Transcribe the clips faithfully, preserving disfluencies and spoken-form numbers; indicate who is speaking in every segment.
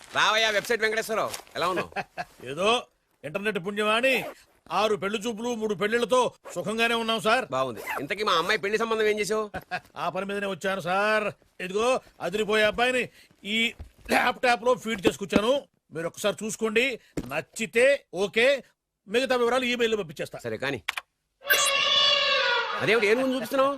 Speaker 1: రావయ్యా వెబ్సైట్ వెంకటేశ్వరరావు, ఎలా ఉన్నావు?
Speaker 2: ఏదో ఇంటర్నెట్ పుణ్యమాని ఆరు పెళ్లి చూపులు మూడు పెళ్లిళ్లతో సుఖంగానే ఉన్నాం సార్.
Speaker 1: బాగుంది. ఇంతకీ మా అమ్మాయి పెళ్లి సంబంధం ఏం చేసావు?
Speaker 2: ఆ పని మీదనే వచ్చాను సార్. ఇదిగో అదిరిపోయే అబ్బాయిని ఈ ల్యాప్టాప్ లో ఫీడ్ చేసుకొచ్చాను. మీరు ఒకసారి చూసుకోండి, నచ్చితే ఓకే, మిగతా వివరాలు ఈమెయిల్ లో పంపించేస్తా.
Speaker 1: సరే కానీ అదేమిటి ఏం ముందు చూపిస్తున్నావు?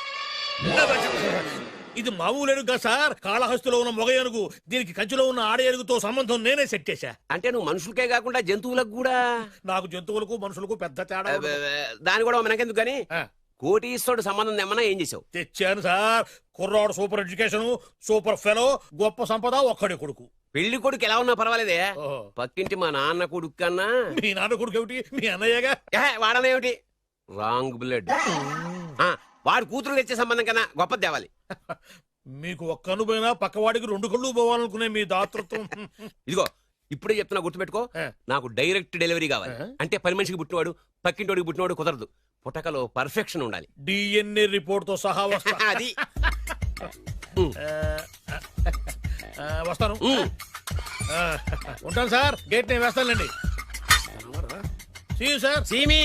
Speaker 2: ఇది మామూలు ఏనుగుగా సార్, కాళహస్తిలో ఉన్న మొగ ఏనుగు. దీనికి కంచిలో ఉన్న ఆడ ఏనుగుతో సంబంధం నేనే సెట్ చేశా.
Speaker 1: అంటే నువ్వు మనుషులకే కాకుండా జంతువులకు కూడా?
Speaker 2: నాకు జంతువులకు మనుషులకు పెద్ద తేడా ఉండదు.
Speaker 1: దాని కూడా మనకెందుకు కానీ కోటీశ్వరుడు సంబంధం ఏమన్నా ఏం చేసావు?
Speaker 2: తెచ్చాను సార్. కుర్రాడు సూపర్ ఎడ్యుకేషన్, సూపర్ ఫెలో, గొప్ప సంపద, ఒక్కడే కొడుకు.
Speaker 1: పెళ్లి కొడుకు ఎలా ఉన్నా పర్వాలేదే, పక్కింటి మా నాన్న కొడుకు కన్నా.
Speaker 2: మీ నాన్న కొడుకు ఏమిటి, మీ అన్నయ్యగా?
Speaker 1: వాడనేమిటి, రాంగ్ బ్లడ్. వాడు కూతురు తెచ్చే సంబంధం కన్నా గొప్పది తేవాలి.
Speaker 2: మీకు ఒక్క కన్ను పోయినా పక్కవాడికి రెండు కళ్ళు పోవాలనుకునే మీ దాతృత్వం.
Speaker 1: ఇదిగో ఇప్పుడే చెప్తున్నా, గుర్తుపెట్టుకో. నాకు డైరెక్ట్ డెలివరీ కావాలి. అంటే పని మనిషికి పుట్టినవాడు పక్కింటోడికి పుట్టినవాడు కుదరదు. పుట్టకలో పర్ఫెక్షన్ ఉండాలి.
Speaker 2: డిఎన్ఏ రిపోర్ట్ తో సహా వస్తా.
Speaker 1: అది
Speaker 2: వస్తాను, ఉంటాను సార్. గేట్ నేను వేస్తానులేండి. సార్
Speaker 1: సీమి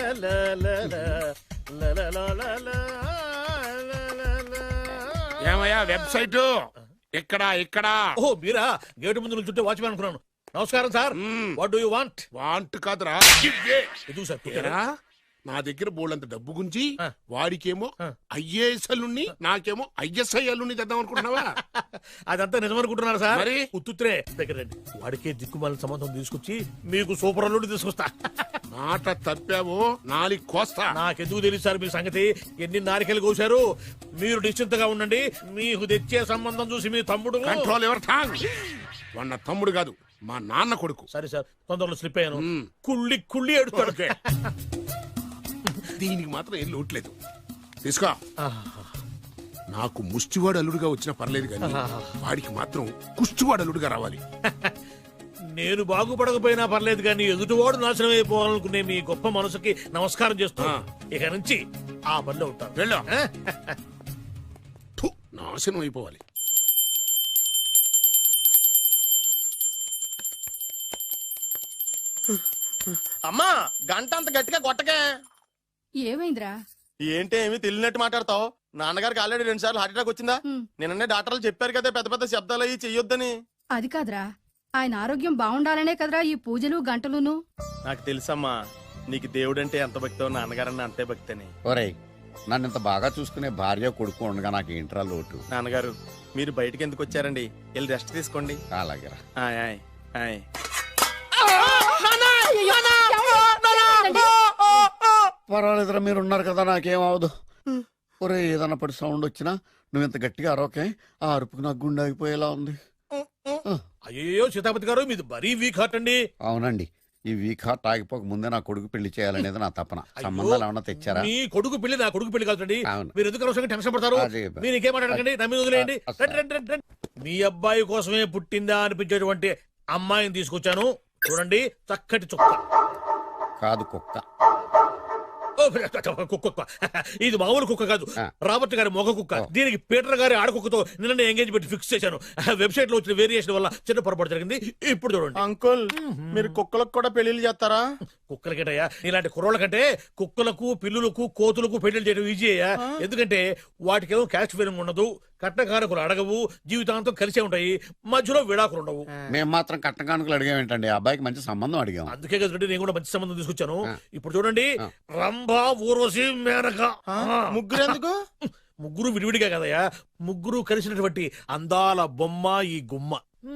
Speaker 3: ఏమయ్యా వెబ్సైట్ ఇక్కడ ఇక్కడ?
Speaker 2: ఓ మీరా, గేటు ముందు చుట్టూ వాచ్మెన్ అనుకున్నాను. నమస్కారం sir. What do you want?
Speaker 3: Want కాదురా,
Speaker 2: ఎదుగు సార్.
Speaker 3: నా దగ్గర బోళ్ళంత డబ్బు గుంచి వాడికేమో ఐఏఎస్ అల్లుని నాకేమో ఐఎస్ఐ అల్లుని తెద్దాం అనుకుంటున్నావా?
Speaker 2: అదంతా నిజమనుకుంటున్నారు సార్.
Speaker 3: మరి
Speaker 2: ఉత్తుత్రే దగ్గర రండి. వాడికే దిక్కుమాల సంబంధం తీసుకొచ్చి మీకు సూపర్ అల్లుడి తీసుకొస్తా.
Speaker 3: మాట తప్పావో నాలుగు కోస్తా.
Speaker 2: నాకెందుకు తెలుసు సార్ మీ సంగతి. ఎన్ని నారికలు కోశారు. మీరు నిశ్చింతగా ఉండండి. మీకు తెచ్చే సంబంధం చూసి మీ తమ్ముడు
Speaker 3: కంట్రోల్ ఎవరు థాంగ్. వాడు నా తమ్ముడు కాదు, మా నాన్న కొడుకు.
Speaker 2: సరే సార్, తొందరలో స్లిప్ అయ్యాను. కుళ్ళి కుళ్ళి ఎడుతాడు.
Speaker 3: దీనికి మాత్రం ఏం లోట్లేదు. తీసుకో. నాకు ముష్టివాడు అల్లుడుగా వచ్చినా పర్లేదు కానీ వాడికి మాత్రం కుష్టివాడు అల్లుడుగా రావాలి.
Speaker 2: నేను బాగుపడకపోయినా పర్లేదు కానీ ఎదుటివాడు నాశనం అయిపోవాలనుకునే మీ గొప్ప మనసుకి నమస్కారం చేస్తూ ఇక నుంచి ఆ పనిలో ఉంటాను.
Speaker 3: వెళ్ళా, నాశనం అయిపోవాలి.
Speaker 4: అమ్మా, గంట అంత గట్టిగా కొట్టకే.
Speaker 5: ఏమైందిరా?
Speaker 4: ఏంటి ఏమి తెలియనట్టు మాట్లాడతావు? నాన్నగారికి ఆల్రెడీ రెండు సార్లు హార్ట్ అటాక్ వచ్చిందా? నిన్ననే డాక్టర్లు చెప్పారు కదా పెద్ద పెద్ద శబ్దాలు అయ్యి చెయ్యొద్దని.
Speaker 5: అది కాదురా, ఆయన ఆరోగ్యం బాగుండాలనే కదరా ఈ పూజలు గంటలును.
Speaker 4: నాకు తెలుసమ్మా, నీకు దేవుడంటే ఎంత భక్తో నాన్నగారన్న అంతే భక్తి అని.
Speaker 6: ఒరేయ్, నన్ను ఇంత బాగా చూసుకునే భార్య కొడుకు ఉండగా నాకు ఏంట్రా లోటు?
Speaker 4: నాన్నగారు మీరు బయటకి ఎందుకు వచ్చారండి? వెళ్ళి రెస్ట్ తీసుకోండి.
Speaker 6: అలాగే.
Speaker 4: ఆయ్ ఆయ్ ఆయ్.
Speaker 6: పర్వాలేదురా, మీరు ఉన్నారు కదా, నాకేం అవదు. ఒరే, ఏదన్నా పడి సౌండ్ వచ్చినా నువ్వు ఇంత గట్టిగా అరవకే. ఆ అరుపుకు నాకు గుండె ఆగిపోయేలా ఉంది.
Speaker 2: అయ్యో సీతాపతి గారు, మీది మరీ వీక్ హార్ట్ అండి.
Speaker 6: అవునండి, ఈ వీక్ హార్ట్ ఆగిపోక ముందే నా కొడుకు పెళ్లి చేయాలనేది నా తపన. సంబంధాలు ఏమన్నా తెచ్చారా?
Speaker 2: మీ కొడుకు పెళ్లి నా కొడుకు పెళ్లి కాదండి.
Speaker 6: అవును.
Speaker 2: మీరు ఎందుకు అవసరంగా టెన్షన్ పడతారు? మీరు ఇంకేం మాట్లాడకండి, నమ్మి వదిలేయండి. మీ అబ్బాయి కోసమే పుట్టిందా అనిపించేటువంటి అమ్మాయిని తీసుకొచ్చాను. చూడండి, చక్కటి చుక్క.
Speaker 6: కాదు, కుక్క.
Speaker 2: కుక్క. ఇది మామూలు కుక్క కాదు, రాబర్ట్ గారి మొగ కుక్క. దీనికి పీటర్ గారి ఆడకుక్కతో నిన్న ఎంగేజ్మెంట్ ఫిక్స్ చేశాను. వెబ్సైట్ లో వచ్చిన వేరియేషన్ వల్ల చిన్న పొరపాటు జరిగింది. ఇప్పుడు చూడండి.
Speaker 4: అంకుల్, మీరు కుక్కలకు కూడా పెళ్లిళ్ళు చేస్తారా?
Speaker 2: కుక్కలకేటయ్యా, ఇలాంటి కుర్రోళ్ళ కంటే కుక్కలకు, పిల్లులకు, కోతులకు పెళ్లి చేయడం ఈజీ అయ్యా. ఎందుకంటే వాటికేమో క్యాస్ట్ ఫీలింగ్ ఉండదు, కట్నకారకులు అడగవు, జీవితాంతం కలిసే ఉంటాయి, మధ్యలో విడాకులు ఉండవు.
Speaker 6: మేము మాత్రం కట్న కానుకలు అడిగామేంటండి? అబ్బాయికి మంచి సంబంధం అడిగాం.
Speaker 2: అందుకే కదండి నేను కూడా మంచి సంబంధం తీసుకొచ్చాను. ఇప్పుడు చూడండి, రంభా, ఊర్వశి, మేనక.
Speaker 4: ముగ్గురు ఎందుకు?
Speaker 2: ముగ్గురు విడివిడిగా కదయ్యా, ముగ్గురు కలిసినటువంటి అందాల బొమ్మ ఈ గుమ్మ.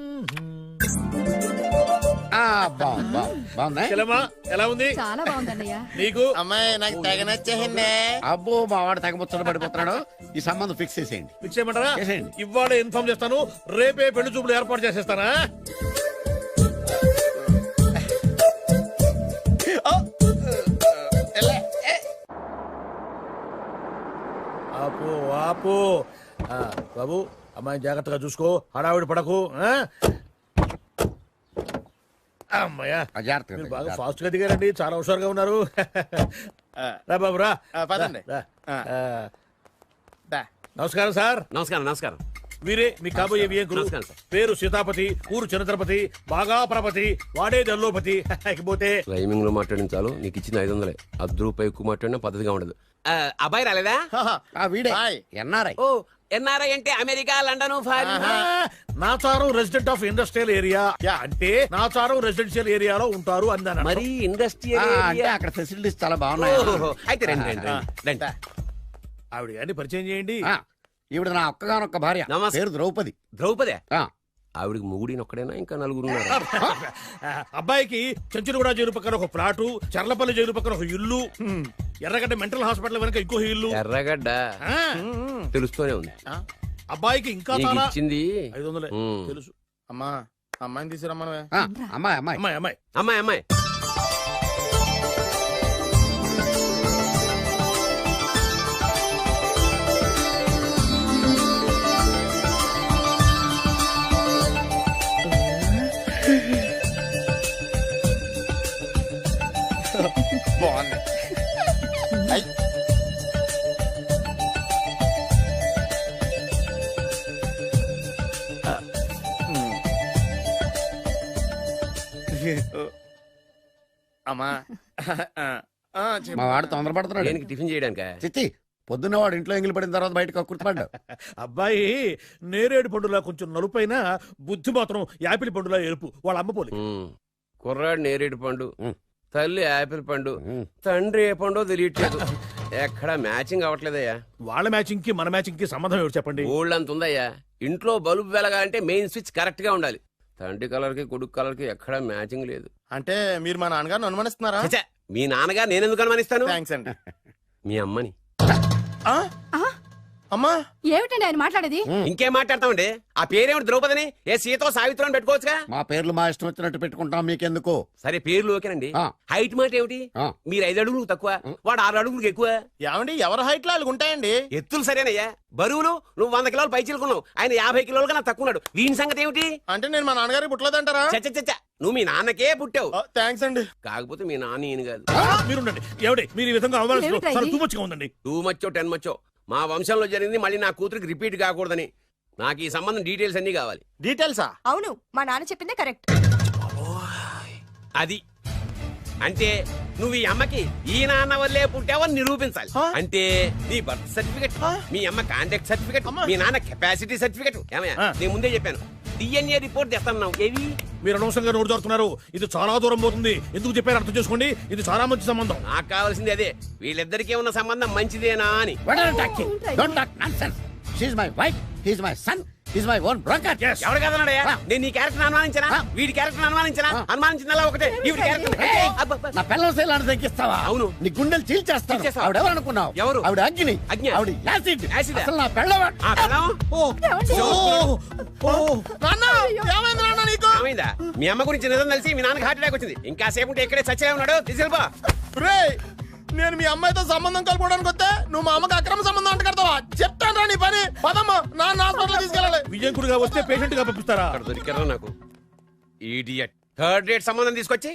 Speaker 2: ఎలా ఉంది?
Speaker 5: చాలా బాగుందన్నయ్య.
Speaker 2: నీకు?
Speaker 4: అమ్మాయి నాకు తెగ నచ్చేసిందే.
Speaker 6: అబ్బో, మా వాడు తెగబుచ్చట పడిపోతున్నాడు. ఈ సంబంధం ఫిక్స్ చేసేయండి.
Speaker 2: ఫిక్స్ చేయమంటారా? ఇవాళ ఇన్ఫార్మ్ చేస్తాను, రేపే పెళ్లి చూపులు ఏర్పాటు చేసేస్తానా? ఆపు ఆపు. బాబు, అమ్మాయి జాగ్రత్తగా చూసుకో, హడావిడి పడకు. అమ్మాయ్యా, మీరు బాగా ఫాస్ట్ గా దిగారండి, చాలా హుషారుగా ఉన్నారు. రా బాబు రా.
Speaker 4: పదండి.
Speaker 2: నమస్కారం సార్.
Speaker 1: నమస్కారం. నమస్కారం.
Speaker 2: వీరే మీ కాబోయే వియంకులు.
Speaker 1: నమస్కారం సార్.
Speaker 2: పేరు సీతాపతి, ఊరు చంద్రపతి, బాగా ప్రపతి, వాడే దల్లోపతి. ఇకపోతే
Speaker 1: రైమింగ్ లో మాట్లాడిన చాలు నీకు ఇచ్చిన ఐదు వందలే అర్ధ రూపాయి ఎక్కువ మాట్లాడినా పద్ధతిగా ఉండదు. ఆ, అబ్బాయి రాలేదా?
Speaker 6: ఆ వీడే
Speaker 4: హాయ్.
Speaker 6: ఎన్ఆర్ఐ.
Speaker 1: ఓ ఎన్ఆర్ఐ అంటే America, London, foreign.
Speaker 2: Nacharam resident of industrial area అంటే నాచారం రెసిడెన్షియల్ ఏరియాలో ఉంటారు అందాను.
Speaker 1: మరి ఇండస్ట్రియల్
Speaker 6: అంటే
Speaker 1: ఏరియా.
Speaker 6: అక్కడ ఫెసిలిటీస్ చాలా బాగున్నాయి.
Speaker 1: ఓహో, అయితే రండి రండి రండి, రండి.
Speaker 2: ఆవిడ గారిని పరిచయం చేయండి.
Speaker 6: ఆ, ఈవిడ నా ఒక్కగానొక్క భార్య.
Speaker 1: నమస్తే.
Speaker 6: పేరు ద్రౌపది.
Speaker 1: ద్రౌపదే
Speaker 6: ఆ,
Speaker 1: ఆవిడికి మొగుడిని ఒక్కడైనా ఇంకా నలుగురు ఉన్నారు.
Speaker 2: ఆ, అబ్బాయికి చెంచులగూడ జైలు పక్కన ఒక ప్లాటు, చర్లపల్లి జైలు పక్కన ఒక ఇల్లు, ఎర్రగడ్డ మెంటల్ హాస్పిటల్ వెనక ఇంకో ఇల్లు.
Speaker 1: ఎర్రగడ్డ
Speaker 2: ఆ,
Speaker 1: తెలుస్తూనే ఉంది.
Speaker 2: అబ్బాయికి ఇంకా
Speaker 1: నీకు
Speaker 2: చాలా
Speaker 1: ఇచ్చింది
Speaker 2: ఐదు వందలే
Speaker 1: ఉమ్.
Speaker 2: తెలుసు.
Speaker 4: అమ్మా అమ్మాయిని తీసుకురమ్మనవే.
Speaker 6: ఆ, అమ్మాయి అమ్మాయి
Speaker 2: అమ్మాయి అమ్మాయి
Speaker 1: అమ్మాయి అమ్మాయి
Speaker 4: బాగుంది. ఐ. అమ్మా ఆ, చెప్పు.
Speaker 6: మా వాడు తొందరపడుతున్నాడు.
Speaker 1: దేనికి టిఫిన్ చేయడానికా?
Speaker 6: చిచ్చి పొద్దున్న వాడు ఇంట్లో ఎంగిలి పడిన తర్వాత బయటకు కుర్తుపడ్డాడు.
Speaker 2: అబ్బాయి నేరేడు పండులా కొంచెం నలుపైన, బుద్ధి మాత్రం యాపిల్ పండులా ఎరుపు. వాళ్ళ అమ్మ పోలి.
Speaker 1: ఉమ్. కుర్రాడు నేరేడు పండు,
Speaker 6: ఉమ్.
Speaker 1: తల్లి యాపిల్ పండు,
Speaker 6: ఉమ్.
Speaker 1: తండ్రి ఏ పండో తెలియట్లేదు. ఎక్కడ మ్యాచింగ్ అవ్వట్లేదయ్యా.
Speaker 2: వాళ్ళ మ్యాచింగ్ కి మన మ్యాచింగ్ కి సంబంధం ఏమిటి చెప్పండి.
Speaker 1: ఊళ్ళంత ఉందయ్యా. ఇంట్లో బల్బు వెలగాలంటే మెయిన్ స్విచ్ కరెక్ట్ గా ఉండాలి. తండ్రి కలర్ కి కొడుకు కలర్ కి ఎక్కడ మ్యాచింగ్ లేదు.
Speaker 4: అంటే మీరు మా నాన్నగారిని అనుమానిస్తున్నారా?
Speaker 1: ఛ, మీ నాన్నగారు నేనెందుకు అనుమానిస్తాను?
Speaker 4: థ్యాంక్స్ అండి.
Speaker 1: మీ అమ్మని.
Speaker 4: ఆ? అమ్మా
Speaker 5: ఏమిటండి ఆయన మాట్లాడేది?
Speaker 1: ఇంకేం మాట్లాడతామండి? ఆ పేరేమిటి ద్రౌపదిని? ఏ సీతో సావిత్రం అని పెట్టుకోవచ్చుగా.
Speaker 6: మా పేర్లు మా ఇష్టం వచ్చినట్టు పెట్టుకుంటాం, మీకెందుకు?
Speaker 1: సరే పేర్లు ఓకేనండి.
Speaker 6: ఆ.
Speaker 1: హైట్ మాట ఏమిటి?
Speaker 6: ఆ.
Speaker 1: మీరు ఐదు అడుగులు తక్కువ, వాడు ఆరు అడుగులకు ఎక్కువ.
Speaker 4: ఏమండి ఎవరి హైట్ లో వాళ్ళకి ఉంటాయండి.
Speaker 1: ఎత్తులు సరేనయ్యా. బరువులు నువ్వు వంద కిలోలు పై చిలుకున్నావు, ఆయన యాభై కిలోలు కన్నా తక్కువ ఉన్నాడు. వీని సంగతి ఏమిటి?
Speaker 4: అంటే నేను మా నాన్నగారికి పుట్టలేదంటారా?
Speaker 1: చచ్చ చచ్చ నువ్వు మీ నాన్నకే పుట్టావు.
Speaker 4: థ్యాంక్స్ అండి.
Speaker 1: కాకపోతే మీ నాన్న ఈయన కాదు.
Speaker 2: మీరుండండి. ఏమిటి మీరు ఈ విధంగా
Speaker 5: ఏమిటా ఇది?
Speaker 2: అవమానిస్తున్నారు? టూ మచ్గా ఉందండి.
Speaker 1: టూ మచ్చో టెన్ మచ్చో మా వంశంలో జరిగింది మళ్ళీ నా కూతురికి రిపీట్ కాకూడదని నాకు ఈ సంబంధం డీటెయిల్స్ అన్ని కావాలి.
Speaker 4: డీటెయిల్సా?
Speaker 7: అవును మా నాన్న చెప్పిందే కరెక్ట్.
Speaker 1: అది అంటే నువ్వు ఈ అమ్మకి ఈ నాన్న వల్లే పుట్టావని నిరూపించాలి.
Speaker 4: హా?
Speaker 1: అంటే నీ బర్త్ సర్టిఫికెట్,
Speaker 4: హా?
Speaker 1: మీ అమ్మ కాంటాక్ట్ సర్టిఫికెట్,
Speaker 4: అమ్మా.
Speaker 1: మీ నాన్న కెపాసిటీ సర్టిఫికెట్. ఏమయ్యా
Speaker 2: ఆ.
Speaker 1: నేను ముందే చెప్పాను డిఎన్ఏ రిపోర్ట్ తెస్తాను. ఏవి?
Speaker 2: మీరు అనవసరంగా నోటు జారుతున్నారు. ఇది చాలా దూరం పోతుంది. ఎందుకు చెప్పారు అర్థం చేసుకోండి. ఇది చాలా మంచి సంబంధం.
Speaker 1: నాకు కావాల్సింది అదే, వీళ్ళిద్దరికీ ఉన్న సంబంధం మంచిదేనా అని.
Speaker 6: What are you talking? Don't talk nonsense. She's my wife, he's my son, he's my own broker.
Speaker 2: Yes.
Speaker 1: ఎవరు కదన్నాడయ్యా?
Speaker 6: ఆ.
Speaker 1: నేను నీ క్యారెక్టర్ అనుమానించనా?
Speaker 6: ఆ.
Speaker 1: వీడి క్యారెక్టర్ అనుమానించనా?
Speaker 6: ఆ.
Speaker 1: అనుమానించిందల్లా ఒకటే. ఈవిడి క్యారెక్టర్
Speaker 6: Hey,
Speaker 1: అబ్బబ్బ.
Speaker 6: నా పిల్లల శైలాన్ని తగ్గిస్తావా?
Speaker 1: అవును.
Speaker 6: నీ గుండెలు చీల్చేస్తాను.
Speaker 1: చీల్చేస్తావా?
Speaker 6: ఆవిడ ఎవరు అనుకున్నావు?
Speaker 1: ఎవరు?
Speaker 6: ఆవిడ అగ్ని.
Speaker 1: అగ్ని.
Speaker 6: ఆవిడ యాసిడ్.
Speaker 1: యాసిడా?
Speaker 6: అసలు నా పిల్లవాడు.
Speaker 1: ఆ పిల్లం?
Speaker 5: ఏమండి?
Speaker 4: నాన్న ఏమైంది నాన్న నీకు?
Speaker 1: ఏమైందా? మీ అమ్మ గురించి నిజం తెలిసి మీ నాన్నకి హార్ట్ అటాక్ వచ్చింది. ఇంకా సేపు ఉంటే ఇక్కడే చచ్చే ఉన్నాడు. తీసుకెళ్ళిపో.
Speaker 4: రేయ్, నేను మీ అమ్మాయితో సంబంధం కలుపుకోవడానికి వస్తే నువ్వు మా అమ్మకి అక్రమ సంబంధం అంట కడతావా? చెప్తాను రా నీ పని. పదమ్మా నాన్న హాస్పిటల్ తీసుకెళ్ళాలి.
Speaker 2: విజయకుడిగా వస్తే పేషెంట్ గా పంపిస్తారా?
Speaker 1: అక్కడ దొరికారా నాకు ఈడియట్. థర్డ్ రేట్ సంబంధం తీసుకొచ్చి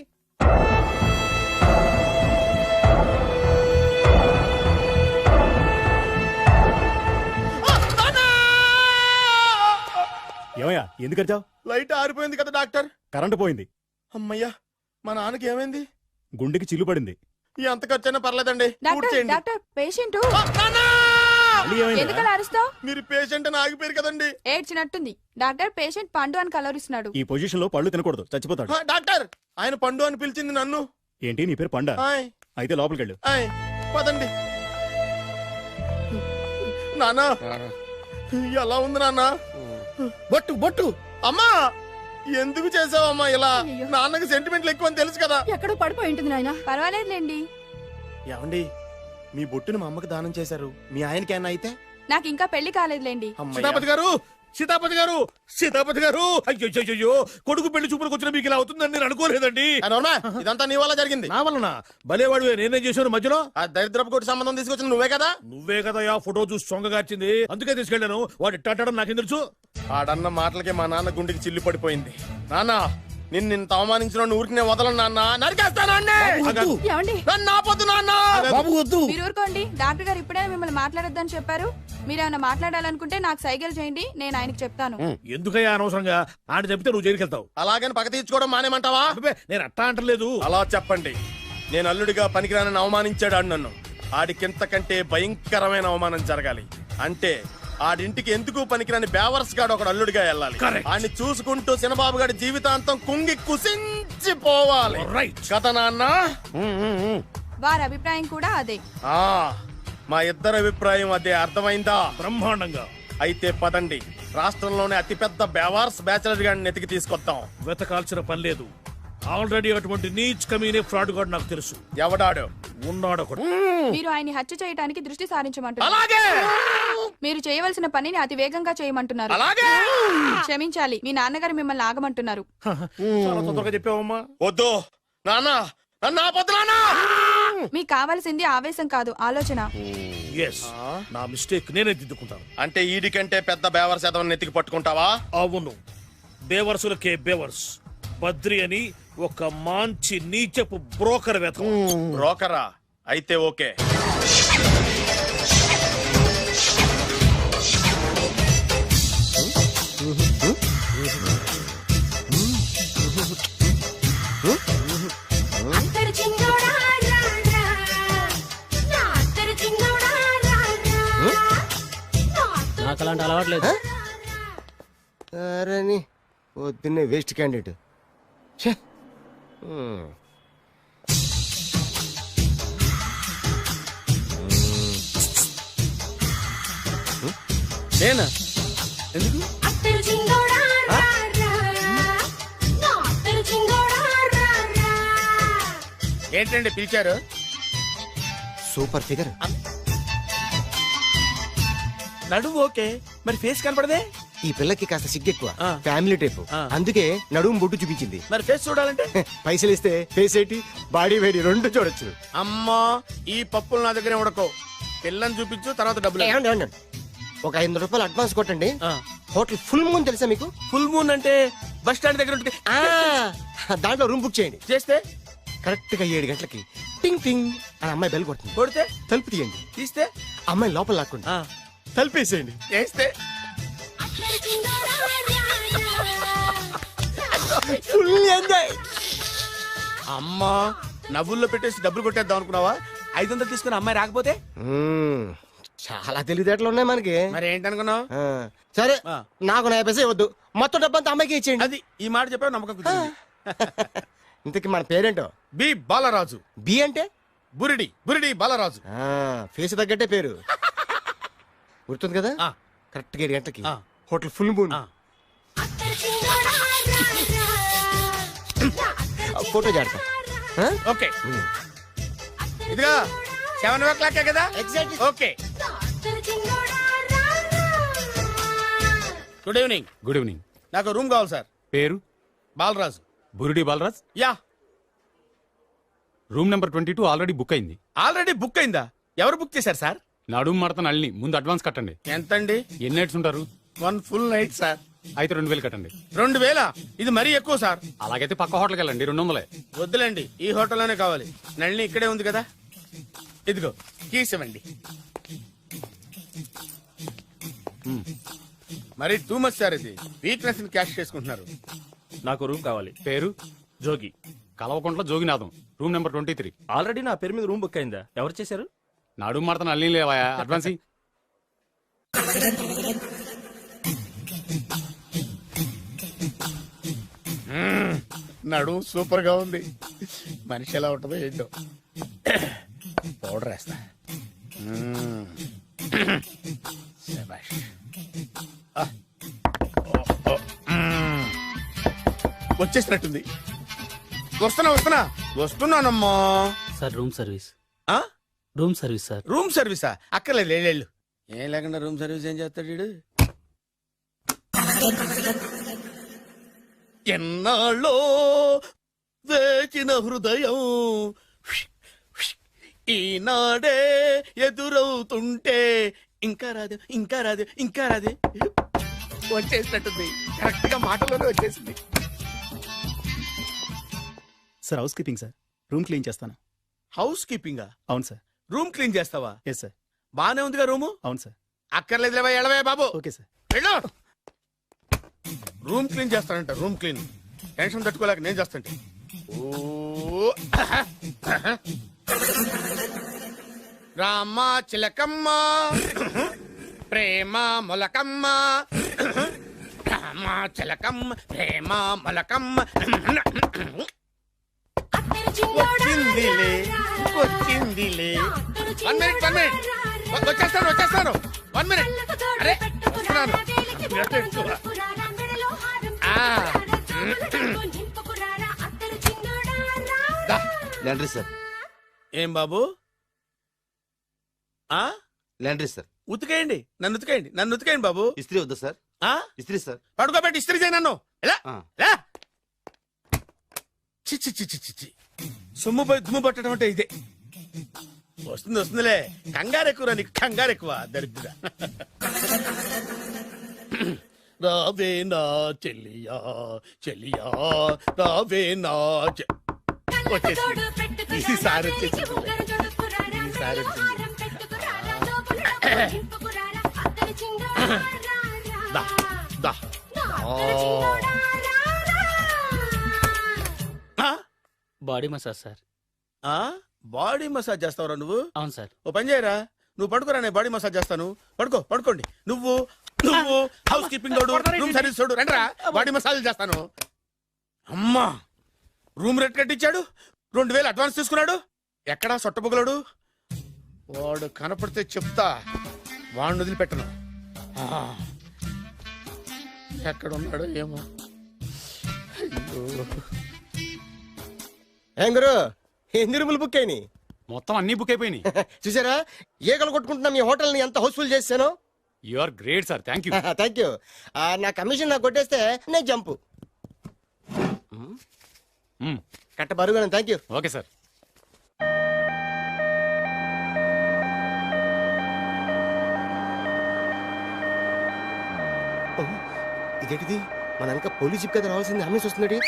Speaker 8: ఏమయ్యా ఎందుకు వచ్చావు?
Speaker 4: లైట్ ఆరిపోయింది కదా డాక్టర్.
Speaker 8: కరెంటు పోయింది.
Speaker 4: అమ్మయ్యా మా నాన్నకి ఏమైంది?
Speaker 8: గుండెకి చిల్లు పడింది.
Speaker 4: ఎంత ఖర్చైనా పర్లేదండి. పూర్తి
Speaker 7: డాక్టర్
Speaker 4: చేయండి.
Speaker 7: డాక్టర్ పేషెంట్
Speaker 4: ఆ, నాన్నా!
Speaker 8: మళ్ళీ ఏమైంది?
Speaker 7: ఎందుకలా అరుస్తావు?
Speaker 4: మీరు పేషెంట్ అని ఆగిపోయారు కదండి.
Speaker 7: ఏడ్చినట్టుంది. డాక్టర్ పేషెంట్ పండు అని కలవరిస్తున్నాడు.
Speaker 8: ఈ పొజిషన్ లో పళ్ళు తినకూడదు, చచ్చిపోతాడు.
Speaker 4: ఆ, డాక్టర్ ఆయన పండు అని పిలిచింది నన్ను.
Speaker 8: ఏంటి నీ పేరు పండ?
Speaker 4: ఆయ్,
Speaker 8: అయితే లోపలికి వెళ్ళు.
Speaker 4: ఆయ్, పదండి. నాన్న ఎలా ఉంది నాన్న?
Speaker 6: బొట్టు బొట్టు.
Speaker 4: అమ్మా ఎందుకు చేసావమ్మా ఇలా?
Speaker 5: అయ్యో.
Speaker 4: నాన్నకి సెంటిమెంట్లు ఎక్కువ అని తెలుసు కదా.
Speaker 5: ఎక్కడో పడిపోయి ఉంటుంది నాయన.
Speaker 7: పర్వాలేదులేండి.
Speaker 4: ఏమండి మీ బొట్టుని మా అమ్మకి దానం చేశారు, మీ ఆయనకి ఏమన్నా అయితే?
Speaker 7: నాకు ఇంకా పెళ్లి కాలేదులేండి.
Speaker 4: అమ్మయ్య.
Speaker 2: సీతాపతి గారు, సీతాపతి గారు, సీతాపతి గారు. అయ్యో కొడుకు పెళ్లి చూపులకు వచ్చిన మీకు ఇలా అవుతుందని నేను అనుకోలేదండి.
Speaker 4: ఆ, నోర్మా, ఇదంతా నీ వల్ల జరిగింది.
Speaker 2: నా వలన భలేవాడు. నేనేం చేశాను మధ్యలో?
Speaker 4: ఆ దరిద్రపు కొట్టి సంబంధం తీసుకొచ్చిన నువ్వే కదా.
Speaker 2: నువ్వే కదా ఆ ఫోటో చూసి సొంగగార్చింది. అందుకే తీసుకెళ్ళాను. వాడు ఇట్టాడడం నాకేం తెలుసు?
Speaker 4: ఆడన్న మాటలకి మా నాన్న గుండెకి చిల్లు పడిపోయింది. నాన్న నిన్ను ఇంత అవమానించిన ఊరికి నేను వదలను నాన్న, నరికేస్తాను అన్నే.
Speaker 6: వద్దు.
Speaker 7: ఏమండి
Speaker 4: నన్ను ఆపొద్దు నాన్న.
Speaker 6: బాబు వద్దు.
Speaker 7: మీరు ఊరుకోండి. డాక్టర్ గారు ఇప్పుడే మిమ్మల్ని మాట్లాడొద్దని చెప్పారు. మీరేమైనా మాట్లాడాలనుకుంటే నాకు సైగలు చేయండి, నేను ఆయనకి చెప్తాను.
Speaker 2: ఎందుకయ్యా అనవసరంగా ఆయన చెప్తే నువ్వు జైలుకి వెళ్తావు.
Speaker 4: అలాగని పక్క తీర్చుకోవడం మానేమంటావా?
Speaker 2: అబ్బే, నేను అట్టా అంటలేదు.
Speaker 4: అలా చెప్పండి. నేను అల్లుడిగా పనికిరానని అవమానించాడు ఆడు నన్ను. ఆడికింతకంటే భయంకరమైన అవమానం జరగాలి. అంటే ఆడింటికి ఎందుకు పనికిరాని బేవర్స్ గాడు ఒకడు అల్లుడిగా వెళ్ళాలి.
Speaker 2: Correct.
Speaker 4: ఆడిని చూసుకుంటూ చిన్నబాబు గారి జీవితాంతం కుంగి కుసించిపోవాలి.
Speaker 2: రైట్.
Speaker 4: కథ నాన్న.
Speaker 7: వారి అభిప్రాయం కూడా అదే.
Speaker 4: ఆ, మా ఇద్దరి అభిప్రాయం అదే. అర్థమైందా?
Speaker 2: బ్రహ్మాండంగా.
Speaker 4: అయితే పదండి, రాష్ట్రంలోనే అతిపెద్ద బేవార్స్ బ్యాచిలర్ గాడిని ఎతికి తీసుకొద్దాం.
Speaker 2: వెతకాల్సిన పని లేదు. ఆల్రెడీ అటువంటి నీచ్ కమీనే ఫ్రాడ్ గాడు నాకు తెలుసు.
Speaker 4: ఎవడాడు?
Speaker 2: ఉన్నాడు ఒకడు.
Speaker 7: మీరు ఆయన్ని హత్య చేయడానికి దృష్టి సారించమంటున్నారు.
Speaker 4: అలాగే
Speaker 7: మీరు చేయవలసిన పనిని అతి వేగంగా చేయమంటున్నారు.
Speaker 4: అలాగే.
Speaker 7: క్షమించాలి, మీ నాన్నగారు మిమ్మల్ని ఆగమంటున్నారు.
Speaker 2: చాలా తొందరగా చెప్పావమ్మా.
Speaker 4: వద్దు నాన్న, నన్ను ఆపొద్దు నాన్న.
Speaker 7: మీకు కావాల్సింది ఆవేశం కాదు, ఆలోచన.
Speaker 2: ఎస్, నా మిస్టేక్ నేనే దిద్దుకుంటాను.
Speaker 4: అంటే ఈడి కంటే పెద్ద బేవర్స్ ఎదవని ఎతికి పట్టుకుంటావా?
Speaker 2: అవును, బేవర్సులకే బేవర్స్ బద్రి అని ఒక మంచి నీచపు బ్రోకర్ వెతక.
Speaker 4: బ్రోకరా? అయితే ఓకే.
Speaker 9: నాకు అలాంటి అలవాట్లేదు.
Speaker 10: అరే పొద్దున్నే వేస్ట్ క్యాండిడేట్.
Speaker 4: నేనా? ఎందుకు? ఏంటండి పిలిచారు?
Speaker 10: Super figure.
Speaker 4: నడువు ఓకే, మరి ఫేస్ కనపడదే.
Speaker 10: ఈ పిల్లకి కాస్త సిగ్గెక్కువ,
Speaker 4: ఆ.
Speaker 10: Family type.
Speaker 4: ఆ.
Speaker 10: అందుకే నడుము బొట్టు చూపించింది.
Speaker 4: మరి ఫేస్ చూడాలంటే
Speaker 10: పైసలు ఇస్తే ఫేస్ ఏంటి బాడీ వేడి రెండు చూడొచ్చు.
Speaker 4: అమ్మా, ఈ పప్పులు నా దగ్గర ఉడకో. పిల్లని చూపించు, తర్వాత డబ్బులు.
Speaker 10: ఏమండి, ఏమండి? ఒక ఐదు వందల రూపాయలు అడ్వాన్స్ కొట్టండి.
Speaker 4: ఆ.
Speaker 10: హోటల్ ఫుల్ మూన్ తెలుసా మీకు?
Speaker 4: ఫుల్ మూన్ అంటే బస్ స్టాండ్ దగ్గర ఉంటుంది.
Speaker 10: ఆ, దాంట్లో రూమ్ బుక్ చేయండి.
Speaker 4: చేస్తే
Speaker 10: కరెక్ట్ గా ఏడు గంటలకి టింగ్ టింగ్ అని అమ్మాయి బెల్ కొడుతుంది.
Speaker 4: కొడితే
Speaker 10: తలుపు తీయండి.
Speaker 4: తీస్తే
Speaker 10: అమ్మాయి లోపల లాక్కోండి.
Speaker 4: ఆ.
Speaker 10: తలుపేసేయండి.
Speaker 4: చేస్తే
Speaker 10: ఫుల్ ఎంజాయ్.
Speaker 4: అమ్మా, నవ్వుల్లో పెట్టేసి డబ్బులు కొట్టేద్దాం అనుకున్నావా? ఐదు వందలు తీసుకుని అమ్మాయి రాకపోతే?
Speaker 10: మ్మ్. చాలా తెలివితేటలు ఉన్నాయి మనకి.
Speaker 4: మరి ఏంటనుకున్నావు?
Speaker 10: ఆ, సరే,
Speaker 4: ఆ.
Speaker 10: నాకు నా పైసే వద్దు, మొత్తం డబ్బంతా అమ్మాయికి ఇచ్చేయండి.
Speaker 4: అది ఈ మాట చెప్పావు, నమ్మకం కుదిరింది.
Speaker 10: ఇంతకి మన పేరేంటో?
Speaker 4: బి బాలరాజు.
Speaker 10: బి అంటే
Speaker 4: బురిడి బురిడి బాలరాజు.
Speaker 10: ఆ, ఫేస్ తగ్గట్టే పేరు. గుర్తుంది కదా?
Speaker 4: ఆ.
Speaker 10: కరెక్ట్ గా ఏడు గంటలకి
Speaker 4: ఆ.
Speaker 10: Hotel full moon.
Speaker 4: ఆ.
Speaker 10: ఫోటో జాడతా.
Speaker 4: ఓకే, ఇదిగా సెవెన్ ఓ క్లాక్ కదా?
Speaker 10: Exactly.
Speaker 4: Okay. Good evening.
Speaker 11: Good evening.
Speaker 4: నాకు రూమ్ కావాలి సార్.
Speaker 11: పేరు?
Speaker 4: Balaraju.
Speaker 11: Burudi Balaraj.
Speaker 4: Yeah.
Speaker 11: Room number twenty two already book అయింది.
Speaker 4: ఆల్రెడీ బుక్ అయిందా? ఎవరు బుక్ చేశారు సార్?
Speaker 11: నడుము మడత నళ్ళని ముందు అడ్వాన్స్ కట్టండి.
Speaker 4: ఎంతండి?
Speaker 11: ఎన్ని నైట్స్ ఉంటారు?
Speaker 4: One full night sir.
Speaker 11: అయితే రెండు వేలు కట్టండి.
Speaker 4: రెండు వేల? ఇది మరీ ఎక్కువ సార్.
Speaker 11: అలాగైతే పక్క హోటల్కి వెళ్ళండి, రెండు వందలే.
Speaker 4: వద్దులేండి, ఈ హోటల్లోనే కావాలి. నళిని ఇక్కడే ఉంది కదా. ఇదిగో కీస్ ఇవ్వండి. మరి టూ మచ్ సార్, ఇది వీక్నెస్ ని క్యాష్ చేసుకుంటున్నారు.
Speaker 8: నాకు రూమ్ కావాలి.
Speaker 11: పేరు?
Speaker 8: Jogi.
Speaker 11: Kalavakuntla Joginatham, room number twenty three.
Speaker 8: Already నా పేరు మీద రూమ్ బుక్ అయిందా? ఎవరు చేశారు?
Speaker 11: నడుము మడత నళ్ళని లేవా, అడ్వాన్స్ ఇయ్యి.
Speaker 4: నడు సూపర్ గా ఉంది. మనిషి ఎలా ఉంటుందో ఏంటో. పౌడర్ వేస్తా. మ్మ్. శభాష్. ఆ. ఓ, ఓ. మ్మ్. వచ్చేసినట్టుంది. వస్తున్నా వస్తున్నా వస్తున్నానమ్మా.
Speaker 9: Sir room service.
Speaker 4: ఆ?
Speaker 9: Room service sir.
Speaker 4: రూమ్ సర్వీసా? అక్కర్లేదు, లేళ్ళు. ఏం లేకుండా రూమ్ సర్వీస్ ఏం చేస్తాడు వీడు? ఎన్నాళ్ళో వేచిన హృదయం ఈనాడే ఎదురవుతుంటే ఇంకా రాదు ఇంకా రాదు ఇంకా రాదు. వచ్చేసినట్టుంది, కరెక్ట్ గా మాటలోనే వచ్చేసింది.
Speaker 9: Sir housekeeping sir room clean చేస్తాను.
Speaker 4: హౌస్ కీపింగా?
Speaker 9: అవును సార్.
Speaker 4: రూమ్ క్లీన్ చేస్తావా?
Speaker 9: Yes sir.
Speaker 4: బానే ఉందిగా రూము?
Speaker 9: అవును సార్.
Speaker 4: అక్కర్లేదులేవా, ఎడవే బాబు.
Speaker 9: Okay sir.
Speaker 4: వెళ్ళు. రూమ్ క్లీన్ చేస్తానంట, రూమ్ క్లీన్. టెన్షన్ తట్టుకోలేక నేను చేస్తాంటే. ఓ రామ చిలకమ్మ ప్రేమ మొలకమ్మ, రామ చిలకమ్మ ప్రేమ మొలకమ్మ. వచ్చిందిలే వచ్చిందిలే. వన్ మినిట్ వన్ మినిట్ వచ్చేస్తాను వచ్చేస్తాను వన్ మినిట్. అరే వస్తున్నాను.
Speaker 10: Laundry sir.
Speaker 4: ఏం బాబు? ఆ
Speaker 10: లాండ్రీ సార్.
Speaker 4: ఉతికేయండి, నన్ను ఉతికేయండి, నన్ను ఉతికేయండి బాబు.
Speaker 10: ఇస్త్రీ వద్దా సార్?
Speaker 4: ఆ
Speaker 10: ఇస్త్రీ సార్.
Speaker 4: పడుకోబెట్టి ఇస్త్రీ చేయి నన్ను. ఎలా
Speaker 10: ఆ.
Speaker 4: ఎలా? చి చి చి చి చి చి. సొమ్ము పోయి దుమ్ము పట్టడం అంటే ఇదే. వస్తుంది వస్తుందిలే. కంగారు ఎక్కువ నీకు, కంగారు ఎక్కువ దరిద్ర. రావే నా చెల్లియా చెల్లియా రావే నా చె- వచ్చేసింది. ఈసారి వచ్చేసింది. ఈసారి వచ్చింది. దా దా. ఆ.
Speaker 9: Body massage sir.
Speaker 4: ఆ బాడీ మసాజ్ చేస్తావురా నువ్వు?
Speaker 9: అవును సార్.
Speaker 4: ఓ పని చేయరా, నువ్వు పడుకోరా, నేను బాడీ మసాజ్ చేస్తాను. పడుకో పడుకోండి. నువ్వు నువ్వు హౌస్ కీపింగ్ తోడు, రూమ్ సర్వీస్ తోడు, రండిరా బాడీ మసాజ్ చేస్తాను. అమ్మా, రూమ్ రేట్ కట్టించాడు, రెండు వేలు అడ్వాన్స్ తీసుకున్నాడు. ఎక్కడా సొట్టబుగలాడు? వాడు కనపడితే చెప్తా, వాడిని వదిలిపెట్టను. ఆ, ఎక్కడ ఉన్నాడో ఏమో. అయ్యో.
Speaker 10: ఏం గురు, ఎన్ని రూములు బుక్ అయినాయి?
Speaker 11: మొత్తం అన్ని బుక్ అయిపోయినాయి.
Speaker 10: చూసారా ఈగలు కొట్టుకుంటున్నా మీ హోటల్ ని ఎంత హౌస్ఫుల్ చేశాను.
Speaker 11: You are great sir, thank you.
Speaker 10: Thank you. నా కమిషన్ నాకు కొట్టేస్తే నేను జంపు కట్ట బరుగా. Thank you.
Speaker 11: Okay sir.
Speaker 10: ఇదేంటిది, మన వెనక పోలీస్ జిప్ కదా రావాల్సింది, అమ్మేసి వస్తున్నాడు.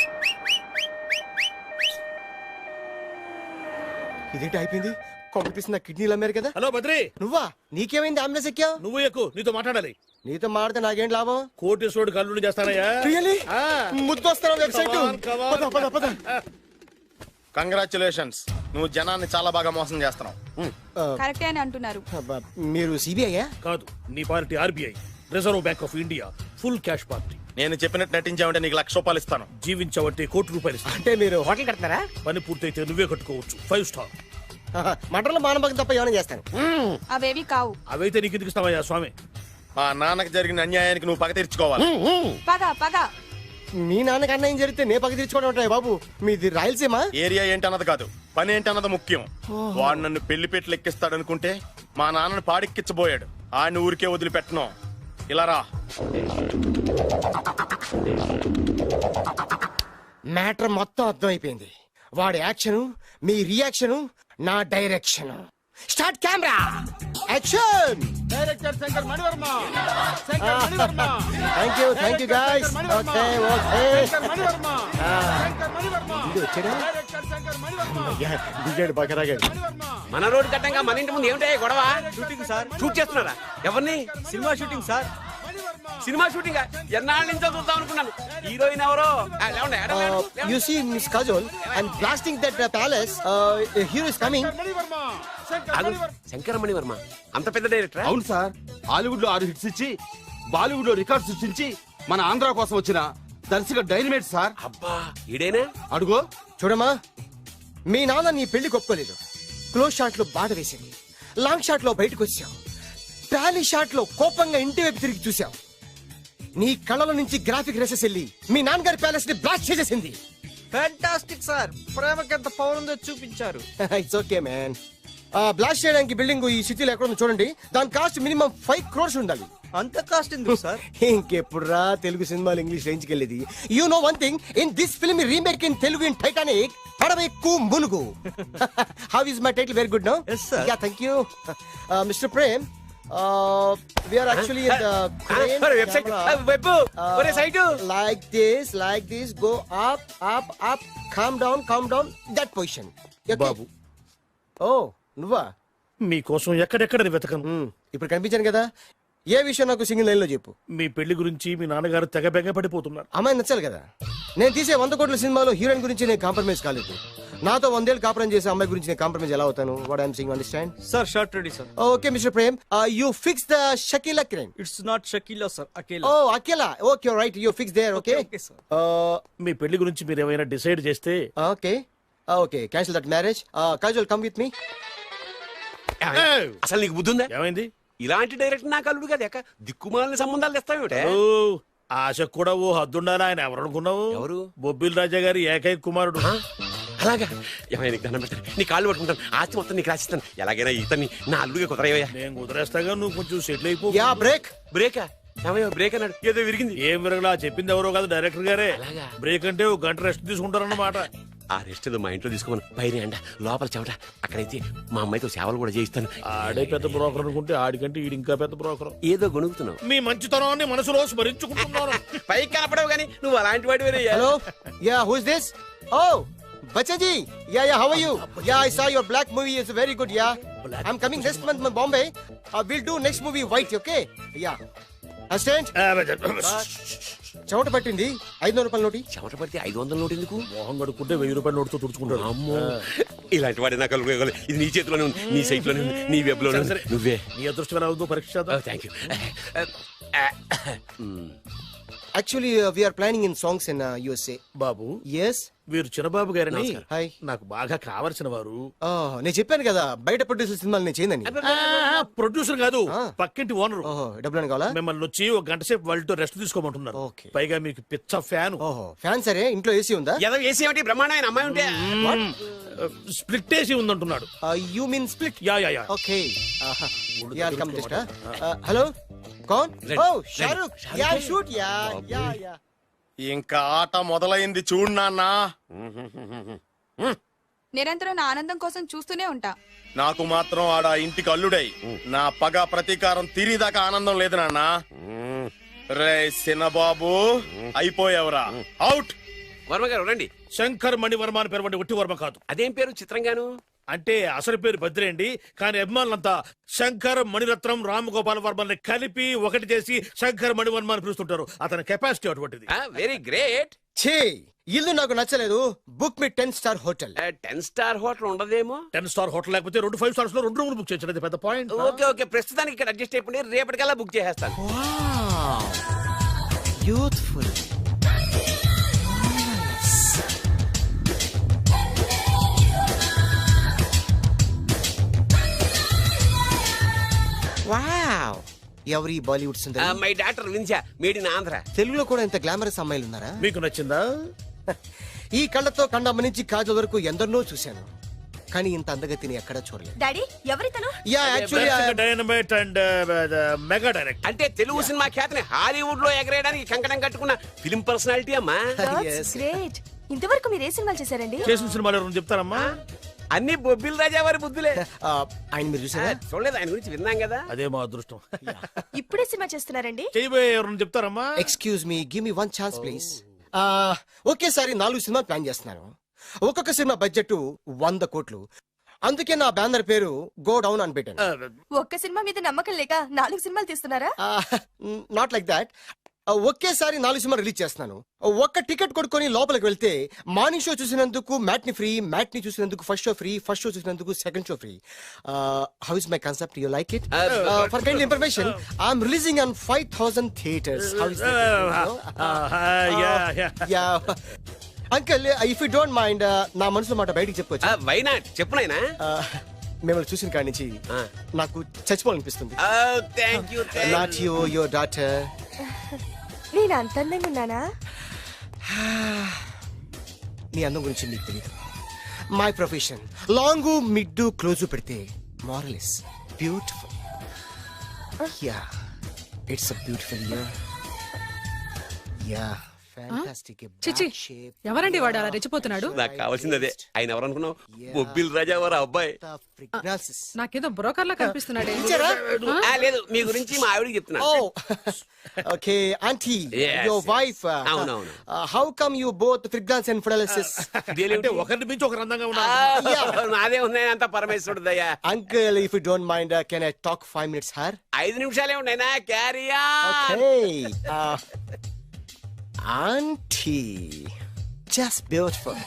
Speaker 10: ఇదేంటి అయిపోయింది, కొంపటిస్తున్న కిడ్నీలు అమ్మారు కదా.
Speaker 2: హలో బద్రి,
Speaker 10: నువ్వా? నీకేమైంది అంబులెన్స్ ఎక్కావు?
Speaker 2: నువ్వు ఎక్కువ, నీతో మాట్లాడాలి.
Speaker 10: నీతో మాడితే నాకేం లాభం?
Speaker 2: కోటేశ్వరుడు కల్లుడు చేస్తానయ్యా.
Speaker 10: Really?
Speaker 2: ఆ.
Speaker 10: ముద్దొస్తారా website?
Speaker 2: Come on, come on.
Speaker 10: పద, పద, పద.
Speaker 4: కంగ్రాచులేషన్స్, నువ్వు జనాన్ని చాలా బాగా మోసం చేస్తున్నావు.
Speaker 7: కరెక్టే అని అంటున్నారు.
Speaker 10: అబ్బా, మీరు సిబిఐయా?
Speaker 2: కాదు, నీ party RBI, reserve bank of India, full cash party.
Speaker 4: నేను చెప్పినట్టు నటించావంటే నీకు లక్ష రూపాయలు ఇస్తాను.
Speaker 2: జీవించబట్టే కోటి రూపాయలు ఇస్తాను.
Speaker 10: అంటే మీరు హోటల్ కడతారా?
Speaker 2: పని పూర్తయితే నువ్వే కట్టుకోవచ్చు, ఫైవ్ స్టార్.
Speaker 10: మటన్లో మానభంగం తప్ప ఏమైనా చేస్తాను.
Speaker 7: అవేవి కావు.
Speaker 2: అవైతే నీకు ఎందుకు ఇస్తావయ్యా స్వామి?
Speaker 4: మా నాన్నకి జరిగిన అన్యాయానికి నువ్వు పగ తీర్చుకోవాలి.
Speaker 7: పగ పగ.
Speaker 10: మీ నాన్నకి అన్యాయం జరిగితే నే పక్క తీర్చుకోవడం ఉంటాయి బాబు. మీది రాయలసీమ.
Speaker 4: ఏరియా ఏంటన్నది కాదు, పని ఏంటన్నది ముఖ్యం. వాడు నన్ను పెళ్లి పెట్లు ఎక్కిస్తాడనుకుంటే మా నాన్నను పాడెక్కించబోయాడు. ఆడిని ఊరికే వదిలిపెట్టను. ఇలా రా.
Speaker 10: మ్యాటర్ మొత్తం అర్థం అయిపోయింది. వాడి యాక్షన్, మీ రియాక్షన్, నా direction. Start camera, action.
Speaker 4: Director Shankar Manivarma. Shankar Manivarma.
Speaker 10: Thank you, thank you guys. Okay okay.
Speaker 4: Manivarma. Shankar Manivarma.
Speaker 10: ఇది వచ్చాడా?
Speaker 4: డైరెక్టర్ శంకర్ మణివర్మ.
Speaker 10: దిగాడు బకరాగాడు.
Speaker 1: మన రోడ్డు కట్టంగా మన ఇంటి ముందు ఏమిటాయి గొడవ?
Speaker 8: Shooting sir.
Speaker 1: షూట్ చేస్తున్నారా? ఎవరిని?
Speaker 8: Cinema shooting sir.
Speaker 1: Cinema shooting ఎన్నాళ్ళ నుంచో చూద్దాం అనుకున్నాను. హీరోయిన్ ఎవరో? ఆ, లేవండి, ఎడమ, ఎడమ, లేవండి.
Speaker 10: You see, Miss Kajol, I'm blasting that uh, palace. Uh, a hero is coming.
Speaker 4: Mani Varma. Shankar
Speaker 1: ఆగు,
Speaker 4: మణివర్మ.
Speaker 1: శంకరమణి వర్మ అంత పెద్ద డైరెక్టర్?
Speaker 12: అవును సార్, హాలీవుడ్ లో ఆరు హిట్స్ ఇచ్చి బాలీవుడ్ లో రికార్డ్ సృష్టించి మన ఆంధ్ర కోసం వచ్చిన దర్శక డైనమేట్ సార్.
Speaker 1: అబ్బా, ఈడేనా?
Speaker 12: అడుగో.
Speaker 10: చూడమ్మా, మీ నాన్న నీ పెళ్లి ఒప్పుకోలేదు. క్లోజ్ షాట్ లో బాధ వేసింది. లాంగ్ షాట్ లో బయటకు వచ్చావు. ట్రాలీ షాట్ లో కోపంగా ఇంటి వైపు తిరిగి చూసావు. నీ కళ్ళలో నుంచి గ్రాఫిక్ రెసెస్ వెళ్ళి మీ నాన్నగారి ప్యాలెస్ ని బ్లాస్ట్ చేసేసింది.
Speaker 8: ఫ్యాంటాస్టిక్ సార్, ప్రేమకి ఎంత పవర్ ఉందో చూపించారు.
Speaker 10: It's okay man. బ్లాస్ట్ చేయడానికి బిల్డింగ్ ఈ సిటీలో ఎక్కడ ఉందో చూడండి. దాని కాస్ట్ మినిమం ఫైవ్ క్రోర్స్ ఉండాలి.
Speaker 8: అంత కాస్ట్ ఎందుకు సార్?
Speaker 10: ఇంకెప్పుడు రా తెలుగు సినిమాలు ఇంగ్లీష్ రేంజ్ కి వెళ్ళేది. You know one thing, in this film remake in Telugu in Titanic, పడవెక్కు మునుగు. How is my title? Very good no.
Speaker 8: Yes, sir.
Speaker 10: Yeah, thank you. Mister Prem, we are actually in the
Speaker 1: website web ఒరే site
Speaker 10: like this like this go up up up come down come down that position
Speaker 2: బాబు
Speaker 10: ఓ నువ్వా
Speaker 2: మీకోసం ఎక్కడెక్కడ వెతకను.
Speaker 10: Hmm, ఇప్పుడు కనిపించాను కదా, ఏ విషయం నాకు సింగిల్ లైన్ లో చెప్పు.
Speaker 2: మీ పెళ్లి గురించి మీ నాన్నగారు తెగ బెంగ పడిపోతున్నారు.
Speaker 10: అమ్మాయి నచ్చాలి కదా. నేను తీసే వంద కోట్ల సినిమాలో హీరోయిన్ గురించి నేను కాంప్రమైజ్ కాలేదు. నాతో వందేళ్ళు కాపురం చేసే అమ్మాయి గురించి నేను కాంప్రమైజ్ ఎలా అవుతాను? What I'm sing understand?
Speaker 8: Sir shot ready sir.
Speaker 10: Okay mister Prem, you fix the Shakeela crime.
Speaker 8: It's not Shakeela sir, Akela.
Speaker 10: Oh Akela, okay right, you fix there. Okay
Speaker 8: okay sir.
Speaker 2: మీ పెళ్లి గురించి మీరు ఏమైనా డిసైడ్ చేస్తే
Speaker 10: okay okay cancel that marriage. Casual come with me.
Speaker 1: అసలు నీకు బుద్ధి ఉందా?
Speaker 2: ఏమైంది?
Speaker 1: ఇలాంటి డైరెక్టర్ నాకు అల్లుడు కదా, దిక్కుమాలిన సంబంధాలు తెస్తావేమిటే?
Speaker 2: ఓ, ఆశకు కూడా ఓ హద్దుండాలి. ఆయన ఎవరు అనుకున్నావు?
Speaker 1: ఎవరు?
Speaker 2: బొబ్బిల్ రాజా గారి ఏకైక కుమారుడు.
Speaker 1: అలాగా? ఏమైనా నీకు దండం పెడతాను, నీ కాళ్ళు పట్టుకుంటాను, ఆస్తి మొత్తం నీకు రాసిస్తాను. ఎలాగైనా ఇతన్ని నా అల్లుడిగా కుదరయ్యా.
Speaker 2: నేను కుదిరేస్తాగా, నువ్వు కొంచెం సెటిల్ అయిపో.
Speaker 10: Yeah break.
Speaker 1: బ్రేకా? ఏమయ్యో బ్రేక్ అన్నాడు, ఏదో విరిగింది.
Speaker 2: ఏం విరగలా, చెప్పింది ఎవరో కాదు, డైరెక్టర్ గారే.
Speaker 1: అలాగా?
Speaker 2: బ్రేక్ అంటే ఒక గంట రెస్ట్ తీసుకుంటారన్నమాట.
Speaker 1: ఆ రెస్ట్ ఏదో మా ఇంట్లో తీసుకోమని, పైన అండ లోపల చెమట. అక్కడైతే మా అమ్మాయితో సేవలు కూడా చేయిస్తాను.
Speaker 2: ఆడే పెద్ద బ్రోకర్ అనుకుంటే ఆడికంటే ఈడు ఇంకా పెద్ద బ్రోకర్.
Speaker 1: ఏదో గొణుగుతున్నావు.
Speaker 2: మీ మంచితనాన్ని మనసులో స్మరించుకుంటున్నాను.
Speaker 1: పైకి కనపడవు కానీ నువ్వు అలాంటి వాడి.
Speaker 10: Hello, yeah who is this? Oh Bachchaji, yeah yeah how are you? Yeah I saw your Black movie is very good. Yeah I am coming next month to Bombay. Will do next movie White. Okay yeah assistant. చెమట పట్టింది, ఐదు వందల రూపాయల నోటి.
Speaker 1: చెమట పడితే ఐదు వందల నోటు ఎందుకు?
Speaker 2: మోహం కడుక్కుంటే వెయ్యి రూపాయల నోటుతో తుడుచుకుంటాడు.
Speaker 1: అమ్మో, ఇలాంటి వాడి నాకు అల్లుడు కావాలి. ఇది నీ చేతిలోనే ఉంది, నీ సైట్ లోనే ఉంది, నీ వెబ్ లోనే ఉంది. నువ్వే.
Speaker 2: నీ అదృష్టం ఎలా ఉందో పరీక్ష చేద్దాం.
Speaker 1: Thank you.
Speaker 10: Actually we are planning in songs in USA.
Speaker 2: బాబు,
Speaker 10: ఎస్
Speaker 2: వీరు చిన్నబాబు గారిని
Speaker 10: హాయ్.
Speaker 2: నాకు బాగా కావలసిన వారు.
Speaker 10: నేను చెప్పాను కదా బయట ప్రొడ్యూసర్ సినిమాలు నేను చేయదని.
Speaker 2: ప్రొడ్యూసర్ కాదు, పక్కింటి ఓనర్.
Speaker 10: ఓహో, డబ్బులు కావాలా?
Speaker 2: మిమ్మల్ని వచ్చి ఒక గంట సేపు వాళ్ళతో రెస్ట్ తీసుకోమంటున్నారు.
Speaker 10: ఓకే.
Speaker 2: పైగా మీకు పిచ్చ ఫ్యాన్.
Speaker 10: ఓహో ఫ్యాన్. సరే, ఇంట్లో ఏసీ ఉందా?
Speaker 1: ఏదో ఏసీ ఏమిటి, బ్రహ్మాండమైన అమ్మాయి ఉంటే.
Speaker 2: స్ప్లిట్ ఏసీ ఉందంటున్నాడు.
Speaker 10: You mean split?
Speaker 2: Yeah yeah yeah.
Speaker 10: Okay yeah come just. Hello, కౌన్? Oh Shahrukh. Yeah shoot. Yeah yeah yeah.
Speaker 4: ఇంకా ఆట మొదలైంది చూడు నాన్న.
Speaker 7: నిరంతరం నా ఆనందం కోసం చూస్తూనే ఉంటా.
Speaker 4: నాకు మాత్రం ఆడ ఇంటికి అల్లుడై నా పగ ప్రతీకారం తీరిదాకా ఆనందం లేదు నాన్న. రే సినబాబు, అయిపోయావురా, అవుట్.
Speaker 1: వర్మ గారు రండి.
Speaker 2: శంకర్ మణివర్మ అని పేరు, ఒట్టి వర్మ కాదు.
Speaker 1: అదేం పేరు చిత్రంగాను?
Speaker 2: అంటే అసలు పేరు భద్రేండి, కానీ అభిమానులంతా శంకర్ మణిరత్నం రామ్ గోపాల్ వర్మని కలిపి ఒకటి చేసి శంకర్ మణివర్మ అని పిలుస్తుంటారు. అతని కెపాసిటీ అటువంటిది.
Speaker 1: Very great.
Speaker 10: ఛీ, ఇల్లు నాకు నచ్చలేదు. Book me ten star hotel.
Speaker 1: Ten star hotel ఉండదేమో.
Speaker 2: టెన్ స్టార్ హోటల్ లేకపోతే రెండు ఫైవ్ స్టార్స్ లో రెండు రూములు బుక్ చేయొచ్చు. పెద్ద పాయింట్.
Speaker 1: ఓకే ఓకే, ప్రస్తుతానికి ఇక్కడ అడ్జస్ట్ అయిపోయి రేపటికల్లా బుక్ చేసేస్తాను.
Speaker 10: యూత్ఫుల్. వావ్, ఎవరి బాలీవుడ్ సుందరి?
Speaker 1: మై డాక్టర్ విన్సా, మేడ్ ఇన్ ఆంధ్ర.
Speaker 10: తెలుగులో కూడా ఇంత గ్లామరస్ అమ్మాయిలు ఉన్నారా?
Speaker 2: మీకు నచ్చిందా?
Speaker 10: ఈ కళ్ళతో కండమ్మ నుంచి కాజల్ వరకు ఎందరినో చూశాను, కానీ ఇంత అందగతిని ఎక్కడా చూడలేదు.
Speaker 7: డాడీ ఎవరితను?
Speaker 10: Yeah actually
Speaker 2: dynamite and mega direct.
Speaker 1: అంటే తెలుగు సినిమా ఖ్యాతిని హాలీవుడ్ లో ఎగరేయడానికి కంకణం కట్టుకున్న ఫిల్మ్ పర్సనాలిటీ అమ్మా.
Speaker 7: గ్రేట్. ఇంతవరకు మీరు ఏ సినిమాలు చేశారండి?
Speaker 2: చేసిన సినిమాలు ఎవరు చెప్తారమ్మా?
Speaker 1: అన్ని బొబ్బిల్ రాజా వారి బుద్ధులే.
Speaker 10: ఆయన మీరు చూసారా?
Speaker 1: చూడలేదు, ఆయన గురించి విన్నాం కదా.
Speaker 2: అదే మా అదృష్టం.
Speaker 7: ఇప్పుడే సినిమా చేస్తున్నారండి?
Speaker 2: చేయబోయే ఎవరు చెప్తారమ్మా?
Speaker 10: Excuse me, give me one chance please. ఒకేసారి నాలుగు సినిమా ప్లాన్ చేస్తున్నాను. ఒక్కొక్క సినిమా బడ్జెట్ వంద కోట్లు. అందుకే నా బ్యానర్ పేరు గో డౌన్ అని పెట్టాను.
Speaker 7: ఒక్క సినిమా మీద నమ్మకం లేక నాలుగు సినిమాలు తీస్తున్నారా?
Speaker 10: Not like that. ఒకేసారి నాలుగు సినిమా రిలీజ్ చేస్తున్నాను. ఒక్క టికెట్ కొనుక్కొని లోపలికి వెళ్తే మార్నింగ్ షో చూసినందుకు మ్యాట్ని ఫ్రీ, మ్యాట్ని చూసినందుకు first show free, first show చూసినందుకు second show free. How is my concept? You like it? For kind information, I'm releasing on five thousand theatres. How is uncle, if you don't mind, నా మనసులో మాట బయటికి చెప్పొచ్చు?
Speaker 1: Why not, చెప్పు నాయనా.
Speaker 10: మిమ్మల్ని చూసిన కాడి నుంచి నాకు చచ్చిపోవాలనిపిస్తుంది.
Speaker 1: Thank you.
Speaker 10: Not you, your daughter.
Speaker 7: నేను అంత అందంగా ఉన్నానా?
Speaker 10: నీ అందం గురించి నీకు తెలియదు. My profession long mid close పెడితే moral is beautiful. Yeah, it's a beautiful year. Yeah,
Speaker 13: చిచి ఎవరండి వాడు అలా రెచ్చిపోతున్నాడు?
Speaker 1: నాకు కావాల్సింది అదే. ఆయన ఎవరు అనుకున్నావు? బొబ్బిల్ రాజా వారు అబ్బాయి.
Speaker 13: నాకేదో బ్రోకర్ లా కనిపిస్తున్నాడే.
Speaker 1: ఆ, లేదు, మీ గురించి మా ఆవిడకి చెప్తున్నా.
Speaker 10: Okay aunty
Speaker 1: Yes,
Speaker 10: your
Speaker 1: yes.
Speaker 10: Wife
Speaker 1: అవునవును.
Speaker 10: How come you both fragrance and fidelities
Speaker 2: అంటే ఒకరిని మించి ఒకరు అందంగా ఉన్నారు.
Speaker 1: నాదే ఉన్నాయి అంత పరమేశ్వరుడు దయ్యా.
Speaker 10: Uncle if you don't mind can I talk five minutes her
Speaker 1: ఐదు నిమిషాలే ఉన్నాయినా, క్యారియా.
Speaker 10: Okay aunty just beautiful.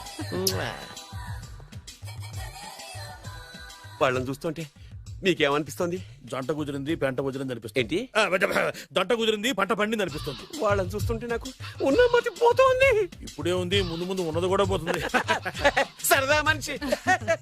Speaker 1: వాళ్ళని చూస్తుంటే మీకేమనిపిస్తుంది?
Speaker 2: జంట కుదిరింది పెంట కుదిరింది అనిపిస్తుంది.
Speaker 1: ఏంటి?
Speaker 2: ఆ, జంట కుదిరింది పంట పండింది అనిపిస్తుంది.
Speaker 1: వాళ్ళని చూస్తుంటే నాకు ఉన్న మతి పోతోంది.
Speaker 2: ఇప్పుడే ఉంది, ముందు ముందు ఉన్నది కూడా పోతుంది.
Speaker 1: సరదా మనిషి.